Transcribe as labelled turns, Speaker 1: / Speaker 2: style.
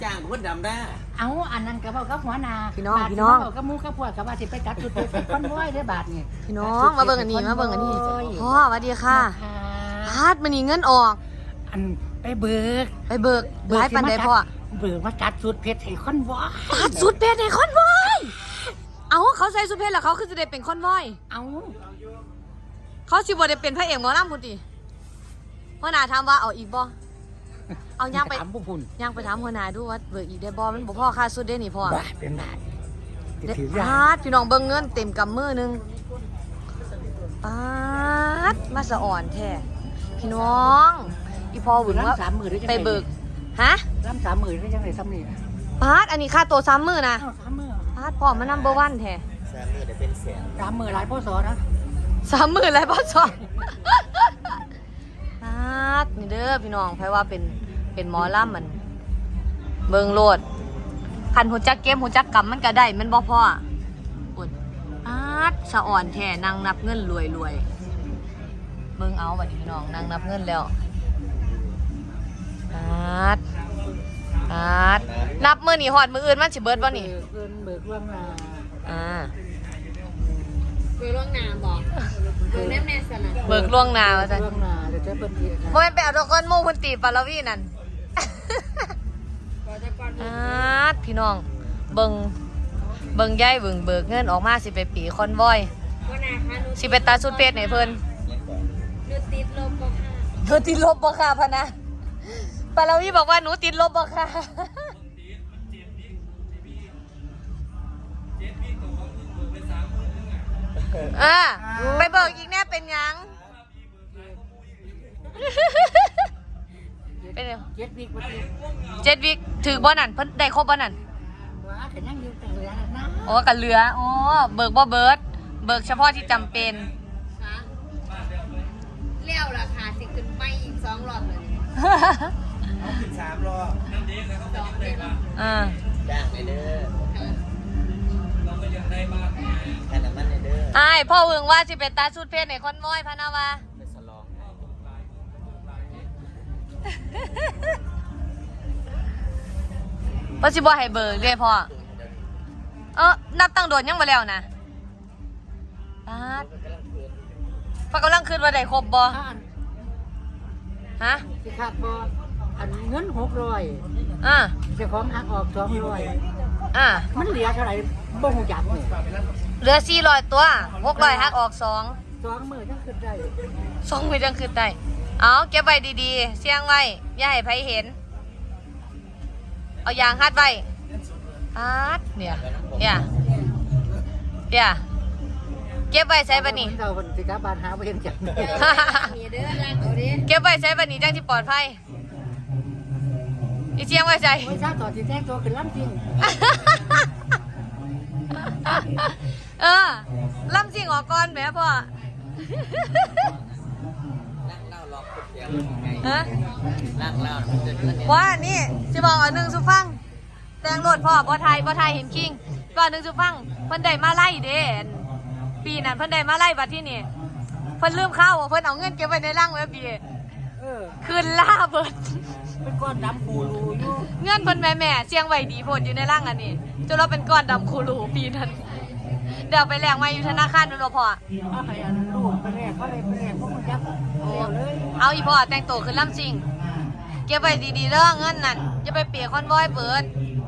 Speaker 1: จ้างคนดำได้
Speaker 2: เอาอันนั้นกระเป๋ากับหัวนา
Speaker 3: พี่น้อง
Speaker 2: กับมูกับพวกกับว่าสิไปจัดจุดเป็นคนบ่อยได้บาทนี่
Speaker 3: พี่น้องมาเบิ่งอันนี้พ่อสวัสดีค่ะพาดมันนี่เงินออก
Speaker 2: อันไปเบิก
Speaker 3: หลายปันได้พ่อ
Speaker 2: เบิกมาจัดสุดเพชรให้คอนวอย
Speaker 3: จัดสุดเพชรให้คอนวอยเอาเขาใส่สุดเพชรแล้วเขาคือจะได้เป็นคอนวอย
Speaker 2: เอา
Speaker 3: เขาสิบ่ได้เป็นพระเอกหมอลำพุ่นติหัวหน้าถามว่าเอาอีกบ่เอาย่างไปถามผู้พุ่นย่างไปถามหัวหน้าดูว่าเบิกอีกได้บ่มันบ่พอค่าสุดได้นี่พ่อ
Speaker 2: เป็นบาท
Speaker 3: ถือยาดพี่น้องเบิ่งเงินเต็มกำมือนึงปาดมาสะอ่อนแท้พี่น้องอีพอหวึงว่าไปเบิกฮะ
Speaker 2: รับ30,000ได้จังได๋ซ้ำนี่
Speaker 3: ปาดอันนี้ค่าตัว30,000นะปาดพ่อมันนัมเบอร์วันแท้
Speaker 1: 30,000ได้เป็นแสน
Speaker 2: 30,000หลายพ่อสอนะ
Speaker 3: 30,000หลายพ่อสอปาดนี่เด้อพี่น้องไผว่าเป็นหมอลำมันเบิ่งโลดคันหูจักเกมหูจักกำมันก็ได้มันบ่พออุ่นอาดสะอ่อนแท้นั่งนับเงินรวยเบิ่งเอาบัดนี้พี่น้องนั่งนับเงินแล้วอาดนับมื้อนี้ฮอดมื้ออื่นมันสิเบิดบ่นี่
Speaker 2: เบิกล่วงหน้า
Speaker 4: เบิกล่วงหน้าบอกเบิกแน่ๆสนะ
Speaker 3: เบิกล่วงหน้าว่าซั่น
Speaker 2: ล่วงหน้าเดี๋ยวจะเพิ่นอีก
Speaker 3: บ่แม่นไปเอาตะกอนหมู่เพิ่นตีปาลวีนั่นพี่น้องเบิ่งยายเบิกเงินออกมาสิไปปีคอนวอยสิไปตาสุดเพชรให้เพิ่น
Speaker 4: หนูติดลบบ่ค่ะ
Speaker 3: เธอติดลบบ่ค่ะพะนะปาลวีบอกว่าหนูติดลบบ่ค่ะไปเบิกอีกแน่เป็นหยังเป็นยัง
Speaker 2: 7 วิบ่
Speaker 3: 7 วิถือบ่นั่นเพิ่นได้ครบบ่นั่น
Speaker 2: ว่าก็ยังอยู่แต่เหลือนะ
Speaker 3: อ๋อกันเหลืออ๋อเบิกบ่เบิกเฉพาะที่จำเป็น
Speaker 4: ค่ะเลี้ยวราคาสิขึ้นไปอีก2รอบเลย
Speaker 1: เอาขึ้น3รอบ2เด้อจ้างไปเด้อเราก็ยังได้บ้างแค่นั้นมันเด้อ
Speaker 3: อ้ายพ่อเวิงว่าสิเป็นตาสุดเพชรในคอนวอยพะนะวะ
Speaker 1: ไปสลอง
Speaker 3: บ่สิบ่ให้เบิกเด้พ่อนับตั้งโดนยังบ่แล้วนะปาดกำลังคืนว่าได้ครบบ่ฮะ
Speaker 2: สิขาดบ่อันเงิน600เจ้าของหักออก200มันเหลือเท่าไหร่บ่ฮู้จักนี่
Speaker 3: เหลือ400ตัว600หักออก
Speaker 2: 2มื้อจังขึ้นได้
Speaker 3: 2มื้อจังขึ้นได้เอาเก็บไว้ดีๆเสี่ยงไว้อย่าให้ไผเห็นเอายางฮัดไว้เนี่ยเก็บไว้ใช้บัดนี้
Speaker 2: เจ้าเพิ่นสิกลับบ้านหาบ่เห็นจัง
Speaker 4: มีเด้อรักเอาดิ
Speaker 3: เก็บไว้ใช้บัดนี้จังสิปลอดภัยอีเชียงไว้ใส่
Speaker 2: โอ้ยซาต่อสิแท้ตัวขึ้นลำจริง
Speaker 3: ลำสิ่งออกก่อนแม่พ่อ
Speaker 1: เล่าล็อกเสียงไงเล่ามันจะ
Speaker 3: ว่านี่สิบอกอันนึงสุฟังแตงโหลดพ่อบ่ไทยเห็นคิงก่อนนึงสุฟังเพิ่นได้มาไล่เด้ปีนั้นเพิ่นได้มาไล่บัดที่นี่เพิ่นลืมข้าวเพิ่นเอาเงินเก็บไว้ในร่างไว้ปีคืนล่าเบิด
Speaker 2: เป็นก้อนดำคูรูอยู่
Speaker 3: เงินเพิ่นแม่เสียงไว้ดีโพดอยู่ในร่างอันนี้จนเราเป็นก้อนดำคูรูปีนั้นเดี๋ยวไปแลกมาอยู่ธนาคารดูเนาะพ่อ
Speaker 2: เอาให้อันลูกไปแลกเขาเลยไปแลกพวกมันจับ
Speaker 3: เอาอีพ่อแต่งตัวขึ้นลำจริงเก็บไว้ดีๆเด้อเงินนั่นจะไปเปียกคอนวอยเบิด